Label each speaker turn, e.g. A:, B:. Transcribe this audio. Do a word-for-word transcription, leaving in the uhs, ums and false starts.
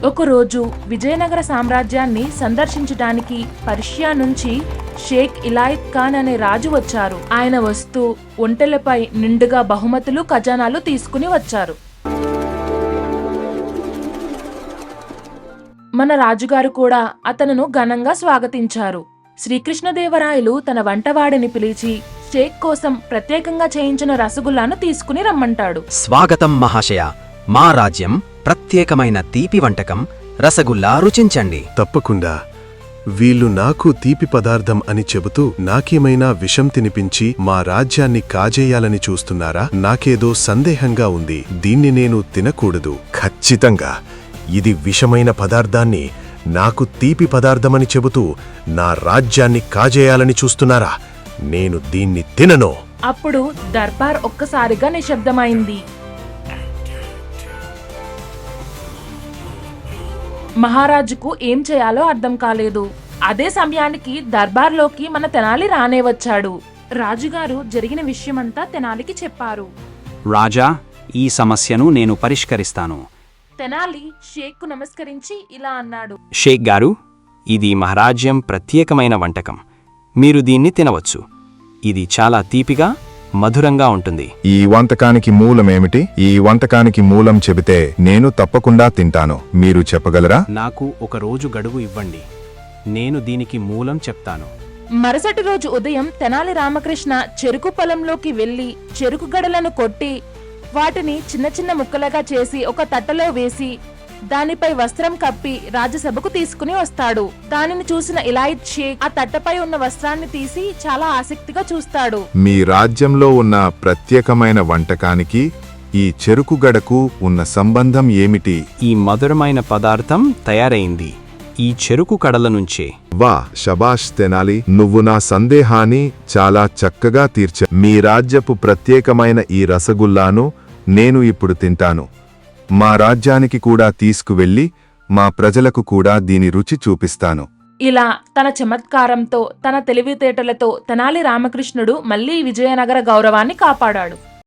A: ఒకరోజు విజయనగర సామ్రాజ్యాన్ని సందర్శించడానికి పర్షియా నుంచి షేక్ ఇలాయత్ ఖాన్ అనే రాజు వచ్చారు. ఆయన వస్తూ ఒంటెలపై నిండుగా బహుమతులు ఖజానాలు తీసుకుని వచ్చారు. మన రాజుగారు కూడా అతనును ఘనంగా స్వాగతించారు. శ్రీకృష్ణదేవరాయలు తన వంటవాడిని పిలిచి షేక్ కోసం ప్రత్యేకంగా చేయించిన రసగుల్లాను తీసుకుని రమ్మంటాడు.
B: స్వాగతం మహాశయ, మా రాజ్యం ప్రత్యేకమైన తీపి వంటకం రసగుల్లా రుచించండి.
C: తప్పకుండా. వీళ్ళు నాకు తీపి పదార్థం అని చెబుతూ నాకేమైనా విషం తినిపించి మా రాజ్యాన్ని కాజేయాలని చూస్తున్నారా? నాకేదో సందేహంగా ఉంది. దీన్ని నేను తినకూడదు. ఖచ్చితంగా ఇది విషమైన పదార్థాన్ని నాకు తీపి పదార్థమని చెబుతూ నా రాజ్యాన్ని కాజేయాలని చూస్తున్నారా? నేను దీన్ని తినను.
A: అప్పుడు దర్బార్ ఒక్కసారిగా నిశ్శబ్దమైంది. మహారాజుకు ఏం చేయాలో అర్థం కాలేదు. అదే సమయానికి దర్బార్లోకి మన తెనాలి రానే వచ్చాడు. రాజుగారు జరిగిన విషయమంతా తెనాలికి చెప్పారు.
D: రాజా, ఈ సమస్యను నేను పరిష్కరిస్తాను.
A: తెనాలి షేక్కు నమస్కరించి ఇలా అన్నాడు.
D: షేక్ గారు, ఇది మహారాజ్యం ప్రత్యేకమైన వంటకం. మీరు దీన్ని తినవచ్చు. ఇది చాలా తీపిగా, మధురంగా ఉంటుంది.
E: ఈ వంటకానికి మూలమేమిటి? ఈ వంటకానికి మూలం చెబితే నేను తప్పకుండా తింటాను. మీరు చెప్పగలరా?
D: నాకు ఒక రోజు గడువు ఇవ్వండి. నేను దీనికి మూలం చెప్తాను.
A: మరుసటి రోజు ఉదయం తెనాలి రామకృష్ణ చెరుకు పొలంలోకి వెళ్లి చెరుకు గడలను కొట్టి వాటిని చిన్న చిన్న ముక్కలుగా చేసి ఒక తట్టలో వేసి దానిపై వస్త్రం కప్పి రాజసభకు తీసుకుని వస్తాడు. దానిని చూసిన ఇలాయత్ షేక్ ఆ తట్టపై ఉన్న వస్త్రాన్ని తీసి చాలా ఆసక్తిగా చూస్తాడు.
E: మీ రాజ్యంలో ఉన్న ప్రత్యేకమైన వంటకానికి ఈ చెరుకు గడకు ఉన్న సంబంధం ఏమిటి?
D: ఈ మధురమైన పదార్థం తయారైంది ఈ చెరుకు కడల నుంచే.
E: వా, శబాష్ తెనాలి, నువ్వు నా సందేహాన్ని చాలా చక్కగా తీర్చ. మీ రాజ్యపు ప్రత్యేకమైన ఈ రసగుల్లాను నేను ఇప్పుడు తింటాను. మా రాజ్యానికి కూడా తీసుకువెళ్లి మా ప్రజలకు కూడా దీని రుచి చూపిస్తాను.
A: ఇలా తన చమత్కారంతో, తన తెలివితేటలతో తెనాలి రామకృష్ణుడు మళ్లీ విజయనగర గౌరవాన్ని కాపాడాడు.